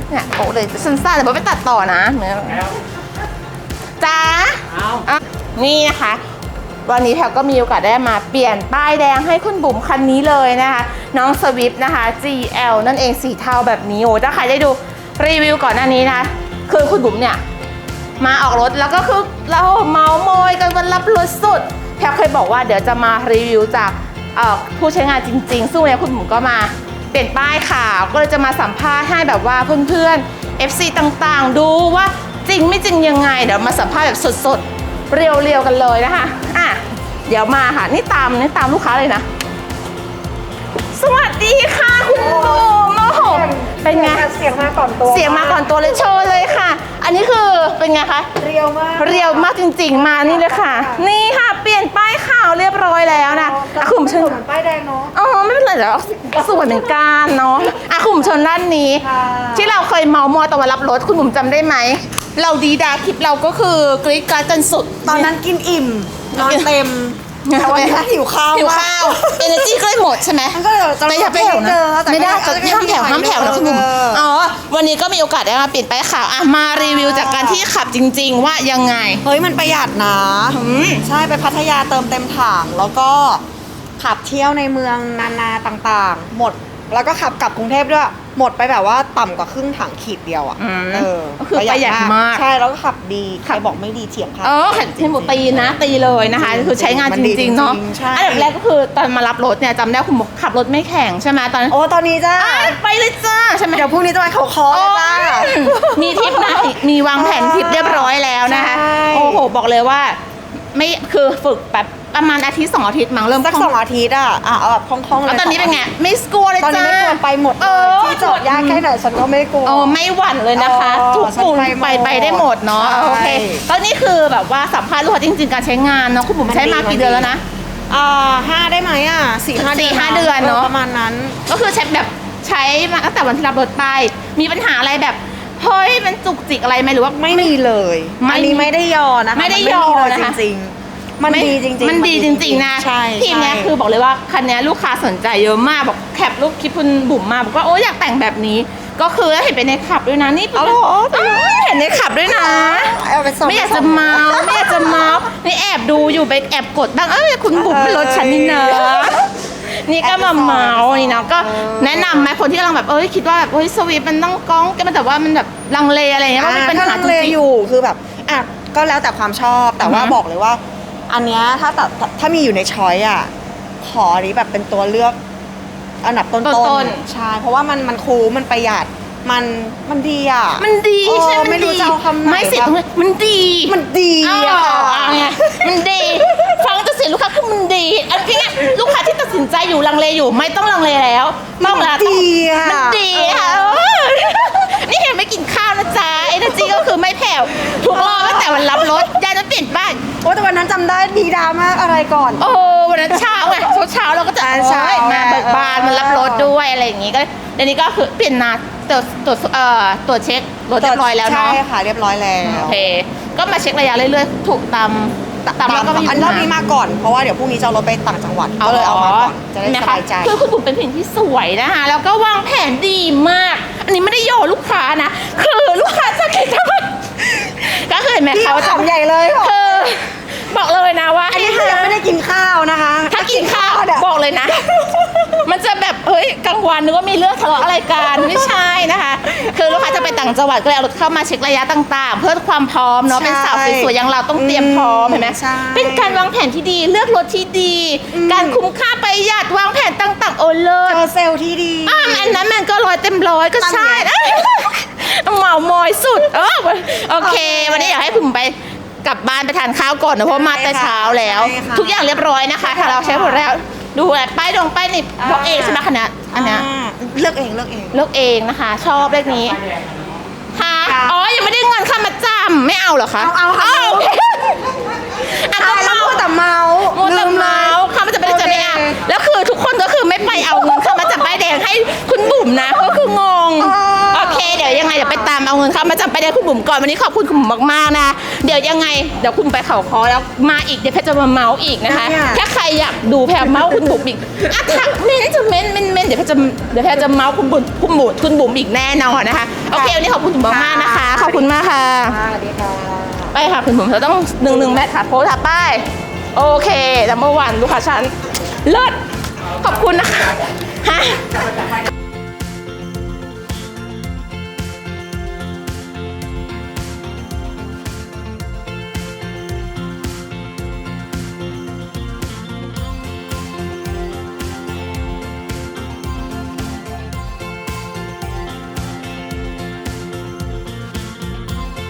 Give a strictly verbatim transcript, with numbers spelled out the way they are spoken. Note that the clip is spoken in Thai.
เนี่ยโอ้เลยสั้นๆแต่ไม่ไปตัดต่อนะจ้านี่นะคะวันนี้แพลก็มีโอกาสได้มาเปลี่ยนป้ายแดงให้คุณบุ๋มคันนี้เลยนะคะน้องสวิฟนะคะ จี แอล นั่นเองสีเทาแบบนี้โอ้ถ้าใครได้ดูรีวิวก่อนหน้านี้นะคือคุณบุ๋มเนี่ยมาออกรถแล้วก็คือเราเมาโมยกันวันรับรถสุดแพลเคยบอกว่าเดี๋ยวจะมารีวิวจากผู้ใช้งานจริงๆซึ่งวันนี้คุณบุ๋มก็มาเปลี่ยนป้ายขาวก็เลยจะมาสัมภาษณ์ให้แบบว่าเพื่อนๆ เอฟ ซี ต่างๆดูว่าจริงไม่จริงยังไงเดี๋ยวมาสัมภาษณ์แบบสดๆเรียวๆกันเลยนะคะอ่ะเดี๋ยวมาค่ะนี่ตามนี่ตามลูกค้าเลยนะสวัสดีค่ะคุณบุ๋มโอ้โหเป็นไงเสียงมาก่อนตัวเสียงมาก่อนตัวเลยโชว์เลยค่ะอันนี้คือเป็นไงคะเรียวมากเรียวมากจริงๆมานี่เลยค่ะนี่ค่ะเปลี่ยนป้ายขาวเรียบร้อยแล้วนะอ่ะคุณเชิญเหมือนป้ายแดงเนาะอ๋อไม่เป็นไรเดี๋ยวสวยเหมือนกันเนาะอ่ะคุณเชิญด้านนี้ที่เราเคยเมามอยตอนมารับรถคุณบุ๋มจำได้ไหมเราดีดาคลิปเราก็คือกรี๊ดกราดจนสุดตอนนั้นกินอิ่มนอนเต็มแต่วันนี้หิวข้าวหิวข้าวเอเนอร์จีก็เลยหมดใช่ไหมก็เดี๋ยวจะไม่อย่าไปแผ่วนะไม่ได้จะห้ามแผ่วห้ามแผ่วนะคุณบุ๋มอ๋อวันนี้ก็มีโอกาสได้มาเปลี่ยนป้ายขาวอ่ะมารีวิวจากการที่ขับจริงๆว่ายังไงเฮ้ยมันประหยัดนะใช่ไปพัทยาเติมเต็มถังแล้วก็ขับเที่ยวในเมืองนานาต่างๆหมดแล้วก็ขับกลับกรุงเทพด้วยหมดไปแบบว่าต่ำกว่าครึ่งถังขีดเดียวอ่ะเออก็คือประหยัดมากใช่แล้วก็ขับดีใครบอกไม่ดีเถียงค่ะเออขับเทมโบตีนะตีเลยนะคะคือใช้งานจริงๆเนาะอันดับแรกก็คือตอนมารับรถเนี่ยจำได้คุณขับรถไม่แข็งใช่ไหมตอนโอ้ตอนนี้จ้าไปเลยจ้าใช่ไหมเดี๋ยวพรุ่งนี้จะไปเขาคอจ้ามีทริปนะมีวางแผนทริปเรียบร้อยแล้วนะคะโอ้โหบอกเลยว่าไม่คือฝึกแบบประมาณอาทิตย์สองอาทิตย์มั้งเริ่มสักสองอาทิตย์อ่ะอ่ะเอาแบบคล่องๆเลยแล้วตอนนี้เป็นไงไม่กลัวเลยจ้าตอนนี้ไม่กลัวไปหมดที่จอดยากแค่ไหนฉันก็ไม่กลัวโอ้ไม่หวั่นเลยนะคะทุกปุ่มไปไปได้หมดเนาะโอเคตอนนี้คือแบบว่าสัมภาษณ์ลูกค้าจริงๆการใช้งานเนาะคุณบุ๋มใช้มากี่เดือนแล้วนะอ่าห้าได้ไหมอ่ะสี่ห้าสี่ห้าเดือนเนาะประมาณนั้นก็คือใช้แบบใช้มาตั้งแต่วันที่รับรถไปมีปัญหาอะไรแบบเฮ้ยมันจุกจิกอะไรไหมหรือว่าไม่มีเลยอันนี้ไม่ได้ยอนะคะไม่ได้ยอนะคะจริงมันดีจริงๆมันดีจริงๆนะทีมนี้คือบอกเลยว่าคันนี้ลูกค้าสนใจเยอะมากบอกแคปรูปคลิปคุณบุ๋มมาบอกว่าโอ้อยากแต่งแบบนี้ก็คือเห็นไปในขับด้วยนะนี่เห็นในขับด้วยนะไม่อยากจะเมาไม่อยากจะเมานี่แอบดูอยู่ไปแอบกดบ้างเอ้ยคุณบุ๋มเป็นรถฉันนี่เนอะนี่ก็มาเมานี่นะก็แนะนำไหมคนที่กำลังแบบเอ้ยคิดว่าแบบเฮ้ยสวีปมันต้องก้องแกมันแต่ว่ามันแบบลังเลอะไรเงี้ยว่าเป็นปัญหาลังเลอยู่คือแบบอ่ะก็แล้วแต่ความชอบแต่ว่าบอกเลยว่าอันเนี้ยถ้าถ้ามีอยู่ในช้อยอ่ะขอนี้แบบเป็นตัวเลือกอันดับต้นๆใช่เพราะว่ามันมันคุ้มมันประหยัดมันมันดีอ่ะมันดีใช่ไม่รู้จะเอาคำไหนไม่เสียตรงนี้มันดีมันดีอ่ะมันดีฟังจะเสียลูกค้าคือมันดีอันนี้ลูกค้าที่ตัดสินใจอยู่ลังเลอยู่ไม่ต้องลังเลแล้วต้องละดีอ่ะมันดีค่ะนี่เห็นไม่กินข้าวนะจ๊ะเอเนอร์จีก็คือไม่แผ่วทุกรอบตั้งแต่วันรับรถยายจะเปลี่ยนป้ายโอ้แต่วันนั้นจำได้ดีดามากอะไรก่อนโอ้วันนั้นเช้าไงเช้าเช้าเราก็จะเช้ามาเบิกบานมารับรถด้วยอะไรอย่างงี้ก็เดี๋ยวนี้ก็คือเปลี่ยนนาตรวจตรวจเอ่อตรวจเช็ครถเรียบร้อยแล้วเนาะใช่ค่ะเรียบร้อยแล้วโอเคก็มาเช็คระยะเรื่อยๆถูกตามตามแล้วก็อันรอบนี้มาก่อนเพราะว่าเดี๋ยวพรุ่งนี้จะรถไปต่างจังหวัดก็เลยเอามาก่อนจะได้สบายใจคือคุณบุ๋มเป็นผู้หญิงที่สวยนะคะแล้วก็วางแผนดีมากอันนี้ไม่ได้โยลูกค้านะคือลูกค้าจะคิดทำไมก็คือเห็นไหมเขาทำใหญ่เลยคือบอกเลยนะว่าอันนี้ยังไม่ได้กินข้าวนะคะถ้ากินข้าวบอกเลยนะมันจะแบบเฮ้ยกลางวันนึกว่ามีเรื่องทะเลาะอะไรกันไม่ใช่นะคะคือลูกค้าจะไปต่างจังหวัดก็เลยเอารถเข้ามาเช็คระยะต่างๆเพื่อความพร้อมเนาะเป็นสาวสวยๆอย่างเราต้องเตรียมพร้อมเห็นไหมเป็นการวางแผนที่ดีเลือกรถที่ดีการคุ้มค่าประหยัดวางแผนต่างๆโอเลิศเจอเซลล์ที่ดีอ่าอันนั้นมันก็ร้อยเต็มร้อยก็ใช่เหมามอยสุดเออโอเควันนี้อยากให้ผมไปกลับบ้านไปทานข้าวก่อนนะเพราะมาแต่เช้าแล้วทุกอย่างเรียบร้อยนะคะถ้าเราใช้หมดแล้วดูแลป้ายดงป้ายนี่บอกเองใช่ไหมคณะอันนี้เลือกเองเลือกเองเลือกเองนะคะชอบเลขนี้ค่ะอ๋อยังไม่ได้เงินค่ามาจำไม่เอาเหรอคะเอาเอาอ่ะก็เมาแต่เมาลืมเมาค่ามาจำไม่ได้จำไม่เอาแล้วคือทุกคนก็คือไม่ไปเอาเงินค่ามาจำป้ายแดงให้คุณบุ๋มนะก็คืองงโอเคเดี๋ยวยังไงดี๋ยวไปตามเอาเงินเข้ามาจำไปได้คุณบุ๋มก่อนวันนี้ขอบคุณคุณบุ๋มมากๆนะเดี๋ยวยังไงเดี๋ยวคุณไปเขาคอแล้วมาอีกเดี๋ยวแพทย์จะมาเมาส์อีกนะคะถ้าใครอยากดูแพทย์เมาส์คุณบุ๋มอีกอ่ะทักเม้นจะเม้นเม้นเม้นเดี๋ยวแพทย์จะเดี๋ยวแพทย์จะเมาส์คุณบุ๋มคุณบุ๋มคุณบุ๋มอีกแน่นอนนะคะโอเควันนี้ขอบคุณคุณบุ๋มมากๆนะคะขอบคุณมากค่ะสวัสดีค่ะไปค่ะคุณบุ๋มเราต้องหนึ่งหนึ่งแมทค่ะโพสค่ะป้ายโอเคแล้วเมื่อวานลูกค้าฉันเลิศขอบคุณนะคะฮะ